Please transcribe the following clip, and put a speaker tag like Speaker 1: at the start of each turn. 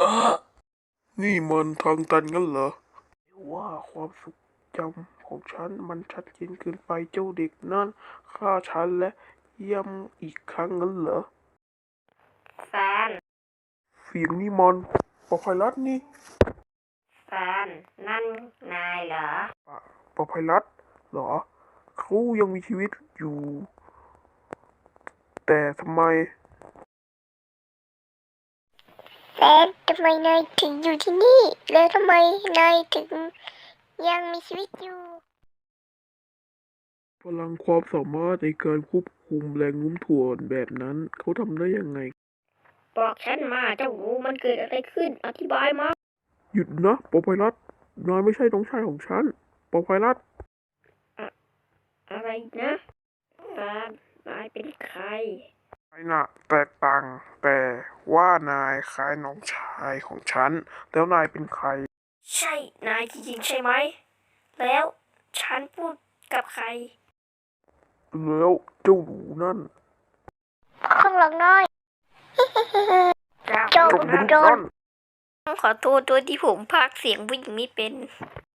Speaker 1: นี่มันทางตันงั้นเหรอว่าความทรงจำของฉันมันชัดเจนเกินไปเจ้าเด็กนั่นฆ่าฉันและย้ำอีกครั้งงั้นเหรอ
Speaker 2: แฟน
Speaker 1: เสียงนี่มันปอไพรัสนี่
Speaker 2: แฟนนั่นนายเหรอ
Speaker 1: ปอไพรัสเหรอเขายังมีชีวิตอยู่แต่ทำไม
Speaker 3: แฟนทำไมนายถึงอยู่ที่นี่แล้วทำไมนายถึงยังมีชีวิตอยู่
Speaker 1: พลังความสามารถในการควบคุมแรงโน้มถ่วงแบบนั้นเขาทำได้ยังไง
Speaker 2: บอกฉันมาเจ้างูมันเกิดอะไรขึ้นอธิบายมา
Speaker 1: หยุดนะปอไพรัสนายไม่ใช่น้องชายของฉันปอไพรัส
Speaker 2: อะอะไรนะแฟนนายเป็นใคร
Speaker 1: นายน่ะแตกต่างแต่ว่านายคล้ายน้องชายของฉันแล้วนายเป็นใคร
Speaker 2: ใช่นายจริงๆใช่ไหมแล้วฉันพูดกับใคร
Speaker 1: แล้วเจ้าหนูนั่น
Speaker 3: ข้างหลังน้อย
Speaker 2: เจ้า
Speaker 3: เจ้า
Speaker 1: เจ้า
Speaker 3: บุญ
Speaker 1: มนุษย์
Speaker 3: โดน
Speaker 1: นั่น
Speaker 2: ขอโทษด้วยที่ผมพากย์เสียงผู้หญิงไม่เป็น